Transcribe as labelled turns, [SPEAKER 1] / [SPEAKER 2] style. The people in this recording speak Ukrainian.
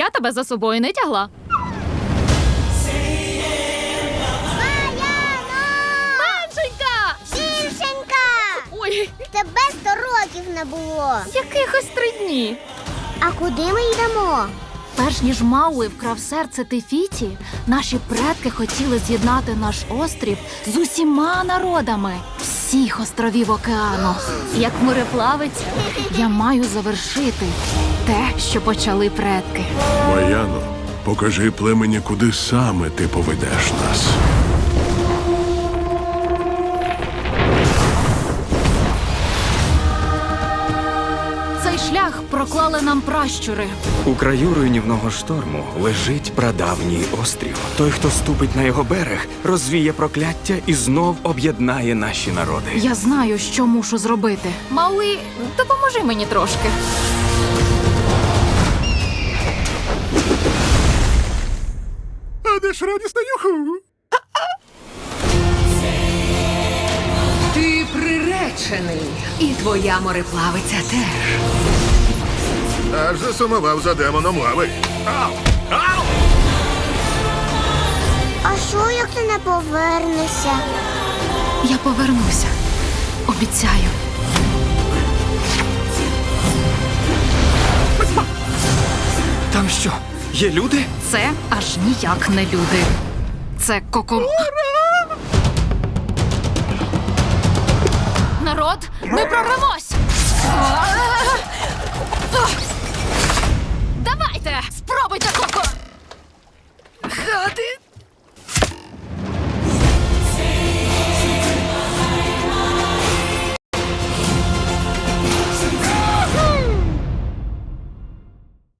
[SPEAKER 1] Я тебе за собою не тягла. Машенька!
[SPEAKER 2] Дівчинка!
[SPEAKER 1] Ой,
[SPEAKER 2] Тебе 100 років не було.
[SPEAKER 1] якихось 3 дні.
[SPEAKER 2] А куди ми йдемо?
[SPEAKER 1] Перш ніж Мауи вкрав серце Тефіті, наші предки хотіли з'єднати наш острів з усіма народами всіх островів океану. Як мореплавець, я маю завершити те, що почали предки.
[SPEAKER 3] Маяно, покажи племені, куди саме ти поведеш нас.
[SPEAKER 1] Цей шлях проклали нам пращури.
[SPEAKER 4] У краю руйнівного шторму лежить прадавній острів. Той, хто ступить на його берег, розвіє прокляття і знов об'єднає наші народи.
[SPEAKER 1] Я знаю, що мушу зробити. Мауи, допоможи мені трошки.
[SPEAKER 3] А де ж радісна юху?
[SPEAKER 5] Ти приречений, і твоя мореплавиця теж.
[SPEAKER 3] Аж засумував за демоном лави. Ау! Ау!
[SPEAKER 2] А що, як ти не повернешся?
[SPEAKER 1] Я повернуся. Обіцяю.
[SPEAKER 4] Там що, є люди?
[SPEAKER 1] Це аж ніяк не люди. Це коко... Народ, ми прорвемось!